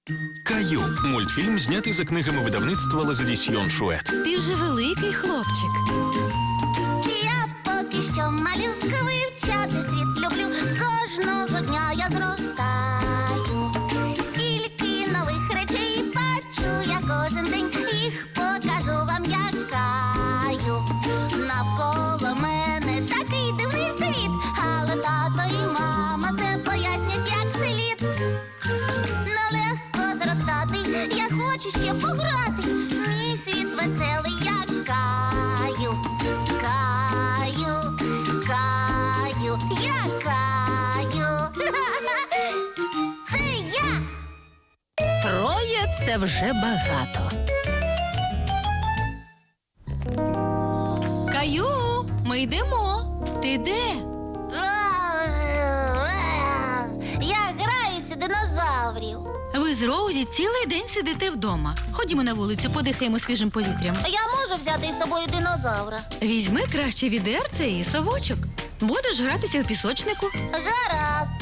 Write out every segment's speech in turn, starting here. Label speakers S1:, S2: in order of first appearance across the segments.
S1: Каю – мультфільм, знятий за книгами видавництва Лазадісьйон Шует.
S2: Ти вже великий хлопчик.
S3: Я поки що малюка, вивчати світ люблю. Кожного дня я зростаю. Стільки нових речей бачу я кожен день. Їх покажу вам, як Каю. Навколо мене такий дивний світ, але тато і мама все пояснять, як слід. Нелегко зростати, я хочу ще пограти. Мій світ веселий, як Каю. Каю, Каю, я Каю. Це я.
S2: Троє – це вже багато. Каю, ми йдемо. Ти де?
S3: Я граюся динозаврів.
S2: Ви з Роузі цілий день сидите вдома. Ходімо на вулицю, подихаємо свіжим повітрям.
S3: Я можу взяти із собою динозавра.
S2: Візьми краще відерце і совочок. Будеш гратися у пісочнику.
S3: Гаразд.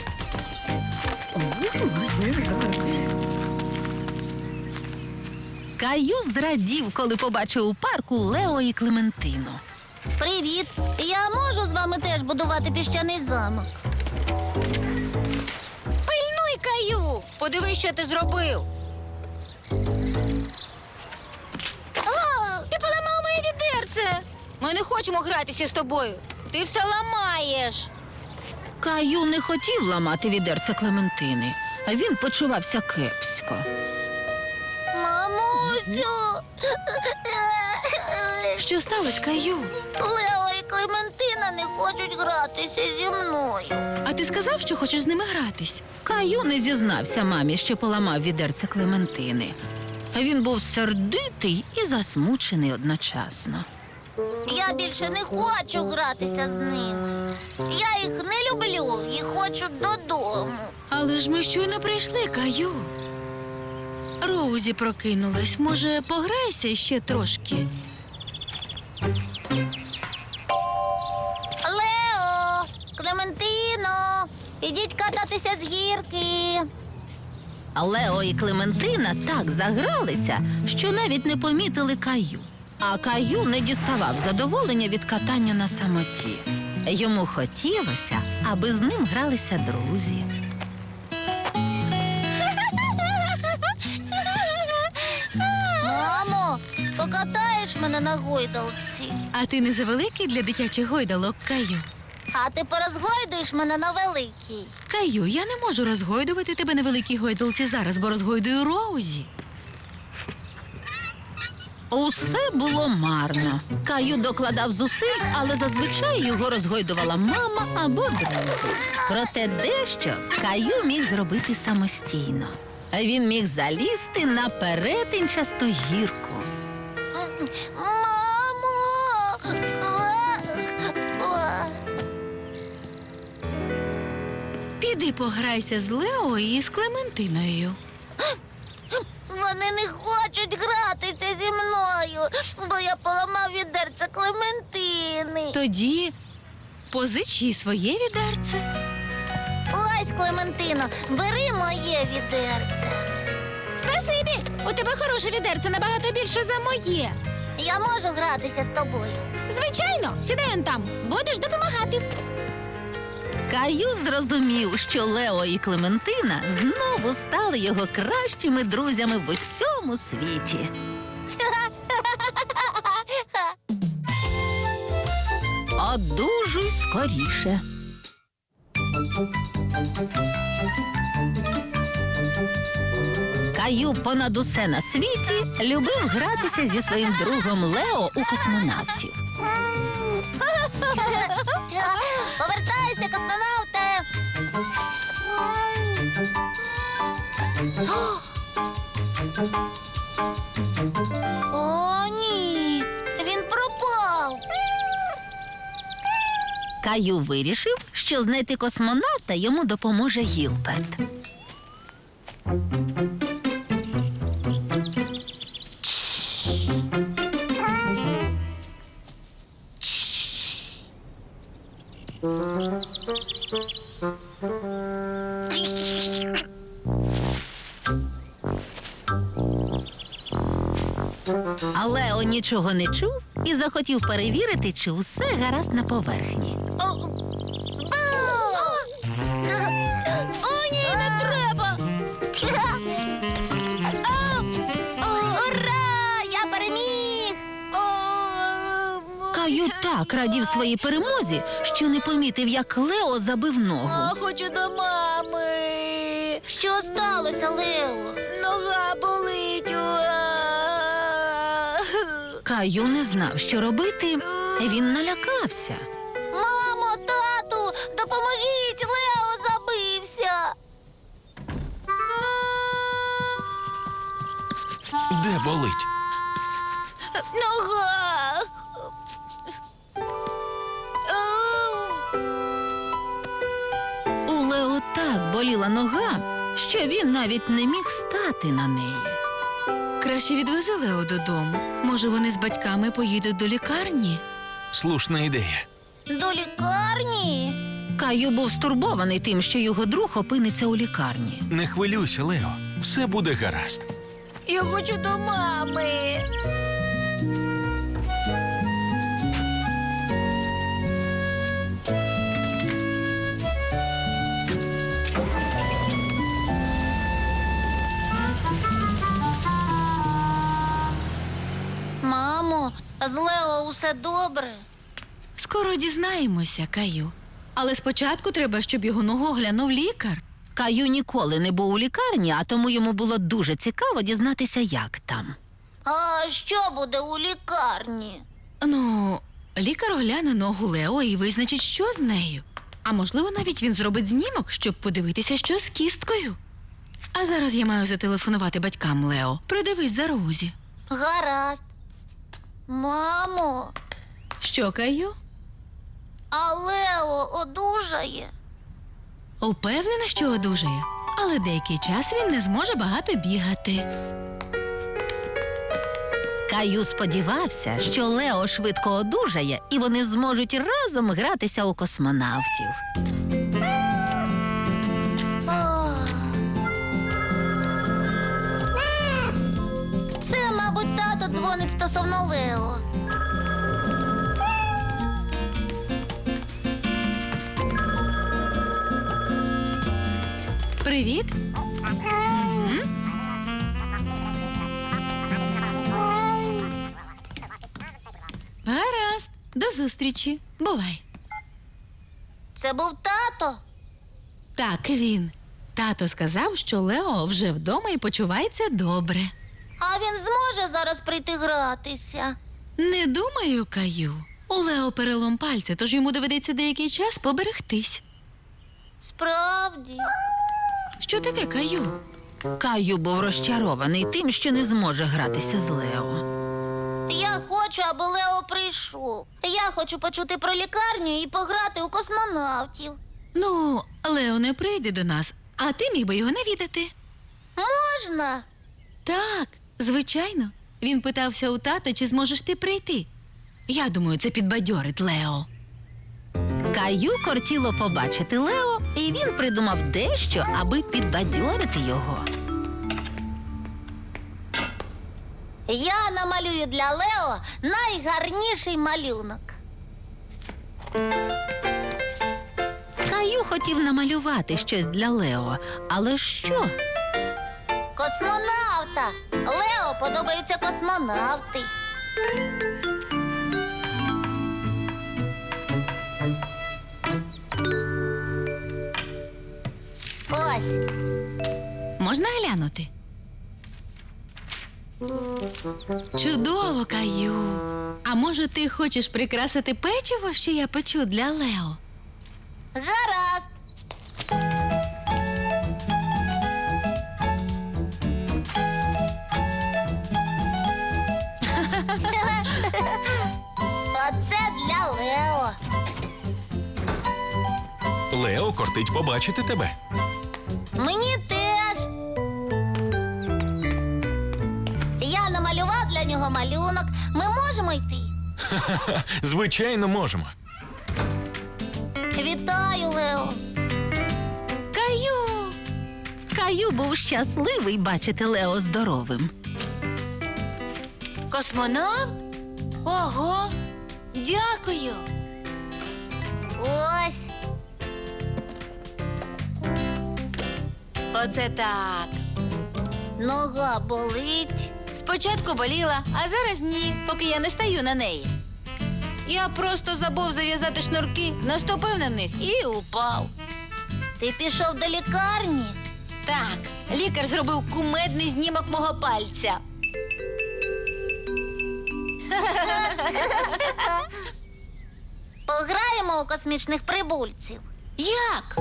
S2: Каю зрадів, коли побачив у парку Лео і Клементину.
S3: Привіт. Я можу з вами теж будувати піщаний замок.
S2: Пильнуй, Каю! Подивись, що ти зробив. Ти поламав моє відерце. Ми не хочемо гратися з тобою. Ти все ламаєш. Каю не хотів ламати відерце Клементини. Він почувався кепсько.
S3: Мамусю.
S2: Що сталося, Каю?
S3: Лео і Клементина не хочуть гратися зі мною.
S2: А ти сказав, що хочеш з ними гратись? Каю не зізнався мамі, що поламав відерце Клементини. Він був сердитий і засмучений одночасно.
S3: Я більше не хочу гратися з ними. Я їх не люблю і хочу додому.
S2: Але ж ми щойно прийшли, Каю. Роузі прокинулась. Може, пограйся ще трошки?
S3: Лео, Клементино, ідіть кататися з гірки.
S2: Лео і Клементина так загралися, що навіть не помітили Каю. А Каю не діставав задоволення від катання на самоті. Йому хотілося, аби з ним гралися друзі.
S3: Мамо, покатаєш мене на гойдалці?
S2: А ти не завеликий для дитячих гойдалок, Каю?
S3: А ти порозгойдуєш мене на великій.
S2: Каю, я не можу розгойдувати тебе на великій гойдалці зараз, бо розгойдую Роузі. Усе було марно. Каю докладав зусиль, але зазвичай його розгойдувала мама або друзі. Проте дещо Каю міг зробити самостійно. Він міг залізти на перетинчасту гірку.
S3: Мамо!
S2: Піди пограйся з Лео і з Клементиною.
S3: Вони не хочуть гратися зі мною, бо я поламав відерце Клементини.
S2: Тоді позич їй своє відерце.
S3: Ось, Клементино, бери моє відерце.
S2: Спасибі! У тебе хороше відерце, набагато більше за моє.
S3: Я можу гратися з тобою.
S2: Звичайно, сідай он там. Будеш допомагати. Каю зрозумів, що Лео і Клементина знову стали його кращими друзями в усьому світі. Одужуй скоріше. Каю понад усе на світі любив гратися зі своїм другом Лео у космонавтів.
S3: Повертайся, космонавте! О, ні! Він пропав!
S2: Каю вирішив, що знайти космонавта йому допоможе Гілберт. А Лео нічого не чув і захотів перевірити, чи усе гаразд на поверхні.
S3: О, ні, не треба! Ура! Я переміг!
S2: Каю так радів своїй перемозі, що не помітив, як Лео забив ногу.
S4: Хочу до мами.
S3: Що сталося, Лео?
S4: Нога болить.
S2: Каю не знав, що робити. Він налякався.
S3: Мамо, тату, допоможіть, Лео забився.
S1: Де болить?
S4: Нога.
S2: У Лео так боліла нога, що він навіть не міг стати на неї.
S4: Краще відвези Лео додому. Може, вони з батьками поїдуть до лікарні?
S1: Слушна ідея.
S3: До лікарні?
S2: Каю був стурбований тим, що його друг опиниться у лікарні.
S1: Не хвилюйся, Лео. Все буде гаразд.
S4: Я хочу до мами.
S3: Мамо, з Лео усе добре?
S4: Скоро дізнаємося, Каю. Але спочатку треба, щоб його ногу оглянув лікар.
S2: Каю ніколи не був у лікарні, а тому йому було дуже цікаво дізнатися, як там.
S3: А що буде у лікарні?
S4: Ну, лікар огляне ногу Лео і визначить, що з нею. А можливо, навіть він зробить знімок, щоб подивитися, що з кісткою. А зараз я маю зателефонувати батькам Лео. Придивись за Розі.
S3: Гаразд. Мамо,
S4: Що, Каю?
S3: а Лео одужає?
S4: Упевнена, що одужає. Але деякий час він не зможе багато бігати.
S2: Каю сподівався, що Лео швидко одужає, і вони зможуть разом гратися у космонавтів.
S3: Ах. Це, мабуть, тато дзвонить стосовно Лео.
S4: Привіт. Гаразд. До зустрічі. Бувай.
S3: Це був тато?
S4: Так, він. Тато сказав, що Лео вже вдома і почувається добре.
S3: А він зможе зараз прийти гратися?
S4: Не думаю, Каю. У Лео перелом пальця, тож йому доведеться деякий час поберегтись.
S3: Справді?
S4: Що таке, Каю?
S2: Каю був розчарований тим, що не зможе гратися з Лео.
S3: Я хочу, аби Лео прийшов. Я хочу почути про лікарню і пограти у космонавтів.
S4: Ну, Лео не прийде до нас, а ти міг би його навідати.
S3: Можна?
S4: Так, звичайно. Він питався у тата, чи зможеш ти прийти. Я думаю, це підбадьорить Лео.
S2: Каю кортіло побачити Лео, і він придумав дещо, аби підбадьорити його.
S3: Я намалюю для Лео найгарніший малюнок.
S2: Каю хотів намалювати щось для Лео, але що?
S3: Космонавта! Лео подобаються космонавти. Ось.
S4: Можна глянути? Чудово, Каю. А може, ти хочеш прикрасити печиво, що я печу для Лео?
S3: Гаразд. Оце для Лео.
S1: Лео кортить побачити тебе.
S3: Мені теж. Я намалював для нього малюнок. Ми можемо йти.
S1: Звичайно, можемо.
S3: Вітаю, Лео.
S4: Каю!
S2: Каю був щасливий бачити Лео здоровим.
S4: Космонавт? Ого! Дякую!
S3: Ось.
S4: Оце так.
S3: Нога болить.
S4: Спочатку боліла, а зараз ні, поки я не стаю на неї. Я просто забув зав'язати шнурки, наступив на них і упав.
S3: Ти пішов до лікарні?
S4: Так, лікар зробив кумедний знімок мого пальця.
S3: Пограємо у космічних прибульців.
S4: Як?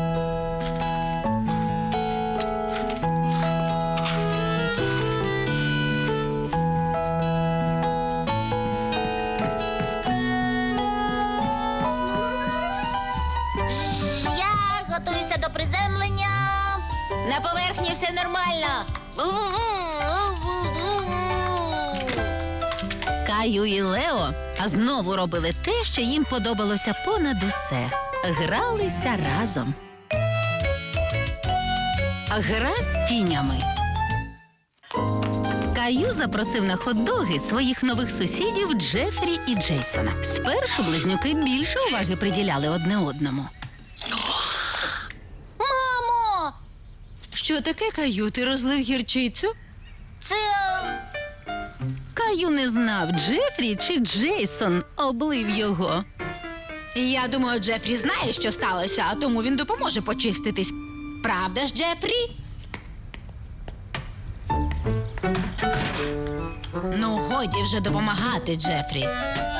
S3: Я готуюся до приземлення.
S4: На поверхні все нормально.
S2: Каю і Лео знову робили те, що їм подобалося понад усе. Гралися разом. Гра з тінями. Каю запросив на хот-доги своїх нових сусідів Джефрі і Джейсона. Спершу близнюки більше уваги приділяли одне одному.
S3: Мамо!
S4: Що таке, Каю? Ти розлив гірчицю?
S3: Це...
S2: Каю не знав, Джефрі чи Джейсон облив його.
S4: Я думаю, Джефрі знає, що сталося, а тому він допоможе почиститись. Правда ж, Джефрі? Ну, годі вже допомагати, Джефрі.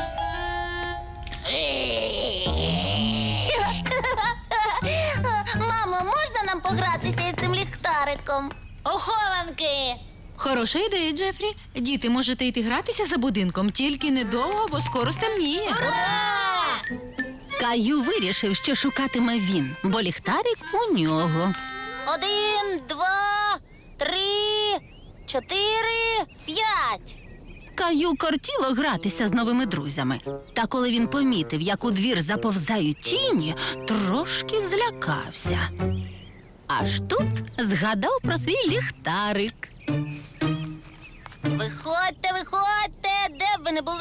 S3: Мамо, можна нам погратися із цим ліхтариком?
S4: Охованки! Хороша ідея, Джефрі. Діти, можете йти гратися за будинком, тільки недовго, бо скоро стемніє.
S3: Ура!
S2: Каю вирішив, що шукатиме він, бо ліхтарик у нього.
S3: 1, 2, 3, 4, 5.
S2: Каю кортіло гратися з новими друзями. Та коли він помітив, як у двір заповзають тіні, трошки злякався. Аж тут згадав про свій ліхтарик.
S3: Виходьте, виходьте, де б ви не були.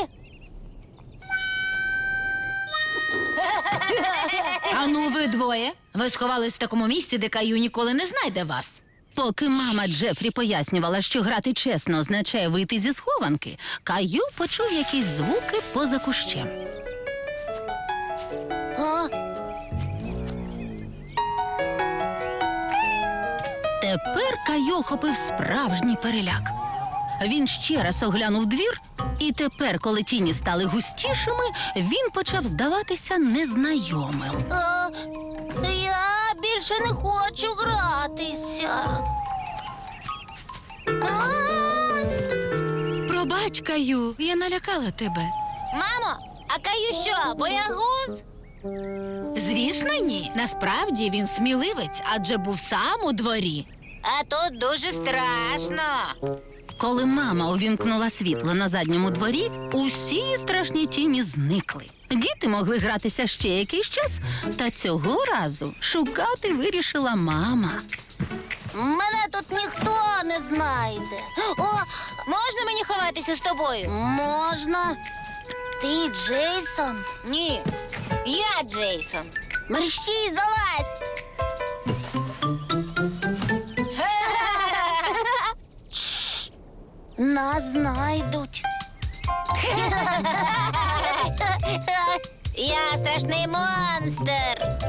S4: Ану, ви двоє. Ви сховались в такому місці, де Каю ніколи не знайде вас.
S2: Поки мама Джефрі пояснювала, що грати чесно означає вийти зі схованки, Каю почув якісь звуки поза кущем.
S3: А?
S2: Тепер Каю охопив справжній переляк. Він ще раз оглянув двір, і тепер, коли тіні стали густішими, він почав здаватися незнайомим.
S3: Я більше не хочу гратися. А!
S4: Пробач, Каю, я налякала тебе.
S3: Мамо, а Каю що, боягуз?
S4: Звісно, ні. Насправді він сміливець, адже був сам у дворі.
S3: А тут дуже страшно.
S2: Коли мама увімкнула світло на задньому дворі, усі страшні тіні зникли. Діти могли гратися ще якийсь час, та цього разу шукати вирішила мама.
S3: Мене тут ніхто не знайде. О,
S4: Можна мені ховатися з тобою?
S3: можна. Ти Джейсон?
S4: Ні, я Джейсон.
S3: Мерщій, залазь. Чш, нас знайдуть.
S4: Я страшний монстр.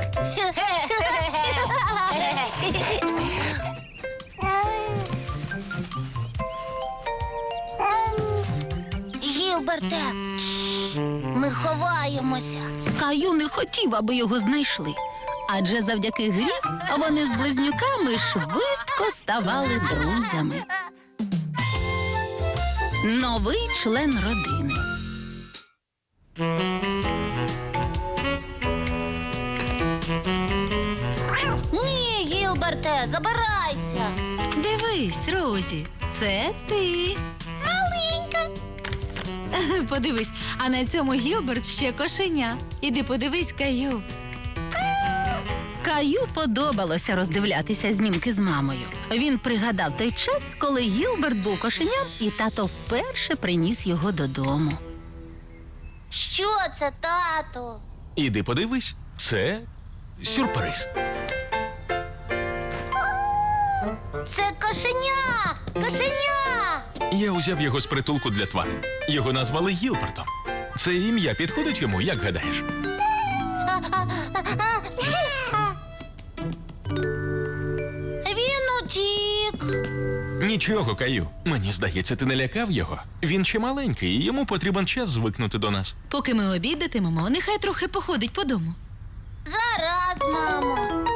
S3: Гілберте, чш, ми ховаємося.
S2: Каю не хотів, аби його знайшли. Адже завдяки грі вони з близнюками швидко ставали друзями. Новий член родини.
S3: Ні, Гілберте, забирайся.
S4: Дивись, Розі, це ти. Маленька. Подивись, а на цьому Гілберт ще кошеня. Іди подивись, Каю.
S2: Каю подобалося роздивлятися знімки з мамою. Він пригадав той час, коли Гілберт був кошеням, і тато вперше приніс його додому.
S3: Що це, тату?
S1: Іди подивись, це сюрприз.
S3: Це кошеня! Кошеня!
S1: Я узяв його з притулку для тварин. Його назвали Гілбертом. Це ім'я підходить йому, як гадаєш?
S3: Він утік.
S1: Нічого, Каю. Мені здається, ти не лякав його. Він ще маленький, і йому потрібен час звикнути до нас.
S4: Поки ми обідатимемо, нехай трохи походить по дому.
S3: Гаразд, мамо.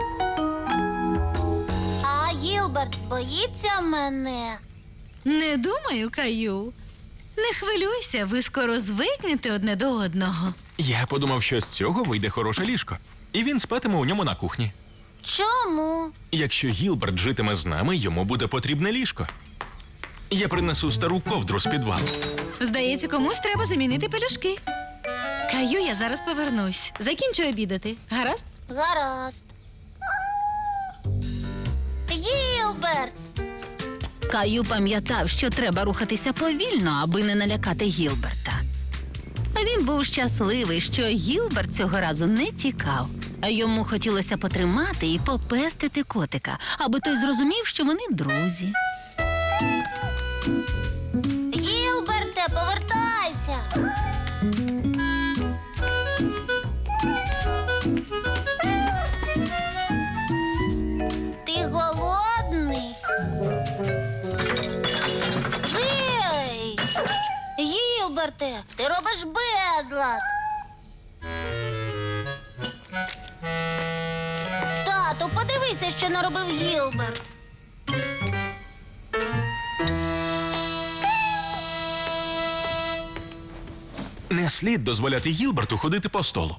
S3: А Гілберт боїться мене.
S4: Не думаю, Каю. Не хвилюйся, ви скоро звикнете одне до одного.
S1: Я подумав, що з цього вийде хороше ліжко. І він спатиме у ньому на кухні.
S3: Чому?
S1: Якщо Гілберт житиме з нами, йому буде потрібне ліжко. Я принесу стару ковдру з підвалу.
S4: Здається, комусь треба замінити пелюшки. Каю, я зараз повернусь. Закінчу обідати. Гаразд?
S3: Гаразд. Гілберт!
S2: Каю пам'ятав, що треба рухатися повільно, аби не налякати Гілберта. А він був щасливий, що Гілберт цього разу не тікав. А йому хотілося потримати і попестити котика, аби той зрозумів, що вони друзі.
S3: Гілберте, повертайся! Ти голодний? Гей! Гілберте, ти робиш безлад! Тату, подивися, що наробив Гілберт.
S1: Не слід дозволяти Гілберту ходити по столу.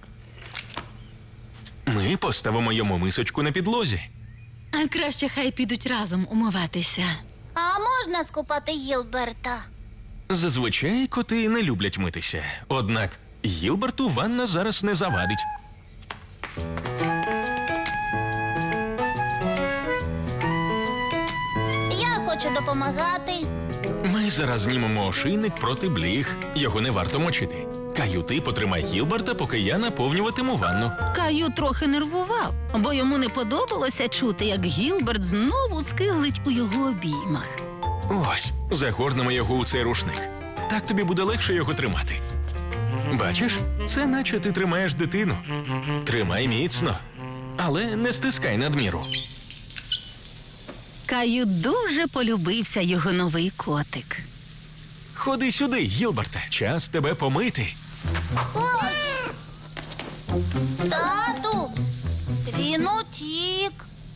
S1: Ми поставимо йому мисочку на підлозі.
S4: А краще хай підуть разом умиватися.
S3: А можна скупати Гілберта?
S1: Зазвичай коти не люблять митися. Однак Гілберту ванна зараз не завадить.
S3: Я хочу допомагати.
S1: Ми зараз знімемо ошийник проти бліг. Його не варто мочити. Каю, ти потримай Гілберта, поки я наповнюватиму ванну.
S2: Каю трохи нервував, бо йому не подобалося чути, як Гілберт знову скиглить у його обіймах.
S1: Ось, загорнемо його у цей рушник. Так тобі буде легше його тримати. Бачиш, це наче ти тримаєш дитину. Тримай міцно, але не стискай надміру.
S2: Каю дуже полюбився його новий котик.
S1: Ходи сюди, Гілберте, час тебе помити.
S3: Ой! Тату, він утік.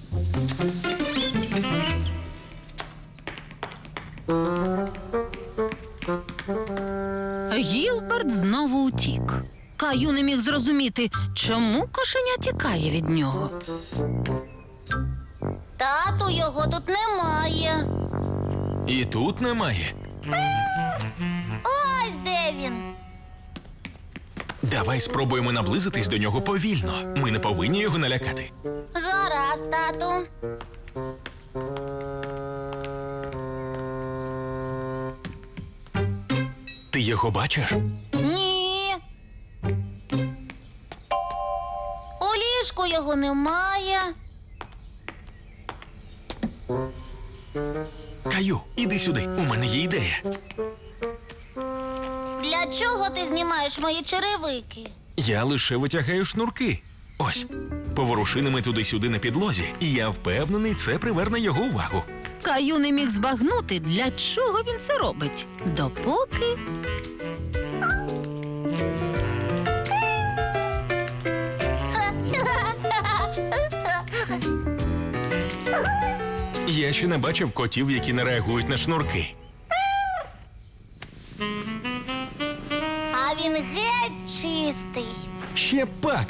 S2: Гілберт знову утік. Каю не міг зрозуміти, чому кошеня тікає від нього.
S3: Тату, його тут немає.
S1: І тут немає.
S3: Ось де він.
S1: Давай спробуємо наблизитись до нього повільно. Ми не повинні його налякати.
S3: Гаразд, тату.
S1: Ти його бачиш?
S3: Ні. У ліжку його немає.
S1: Каю, іди сюди. У мене є ідея.
S3: Для чого ти знімаєш мої черевики?
S1: Я лише витягаю шнурки. Ось, поворуши ними туди-сюди на підлозі, і я впевнений, це приверне його увагу.
S2: Каю не міг збагнути, для чого він це робить, допоки...
S1: Я ще не бачив котів, які не реагують на шнурки.
S3: А він геть чистий.
S1: Ще пак!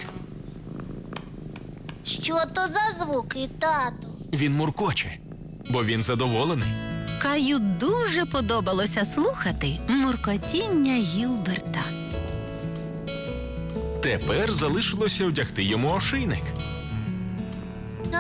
S3: Що то за звуки, тату?
S1: Він муркоче, бо він задоволений.
S2: Каю дуже подобалося слухати муркотіння Гілберта.
S1: Тепер залишилося одягти йому ошийник.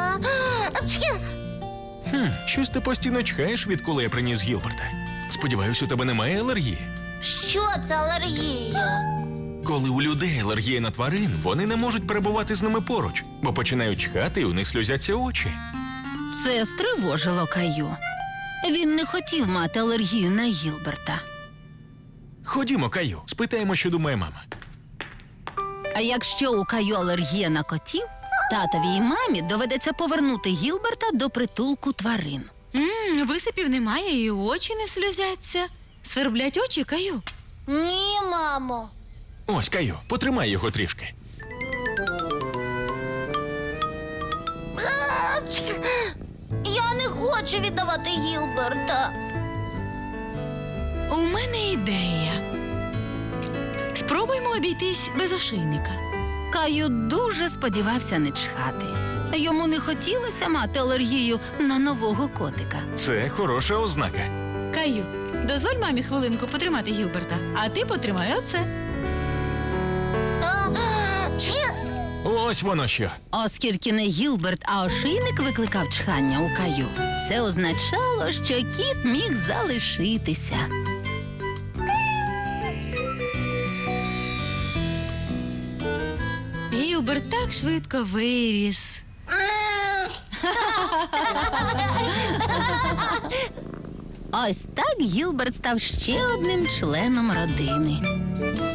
S3: Апчхі!
S1: Щось ти постійно чхаєш, відколи я приніс Гілберта. Сподіваюсь, у тебе немає алергії.
S3: Що це алергія?
S1: Коли у людей алергія на тварин, вони не можуть перебувати з ними поруч, бо починають чхати і у них сльозяться очі.
S2: Це стривожило Каю. Він не хотів мати алергію на Гілберта.
S1: Ходімо, Каю, спитаємо, що думає мама.
S2: А якщо у Каю алергія на котів, татові і мамі доведеться повернути Гілберта до притулку тварин.
S4: Висипів немає і очі не сльозяться. Сверблять очі, Каю.
S3: Ні, мамо.
S1: Ось, Каю, потримай його трішки.
S3: Апчхі! Я не хочу віддавати Гілберта.
S4: У мене ідея. Спробуймо обійтись без ошейника.
S2: Каю дуже сподівався не чхати. Йому не хотілося мати алергію на нового котика.
S1: Це хороша ознака.
S4: Каю, дозволь мамі хвилинку потримати Гілберта, а ти потримай оце.
S3: Апчхі!
S1: Ось воно що.
S2: Оскільки не Гілберт, а ошийник викликав чхання у Каю, це означало, що кіт міг залишитися.
S4: Гілберт так швидко виріс.
S2: Ось так Гілберт став ще одним членом родини.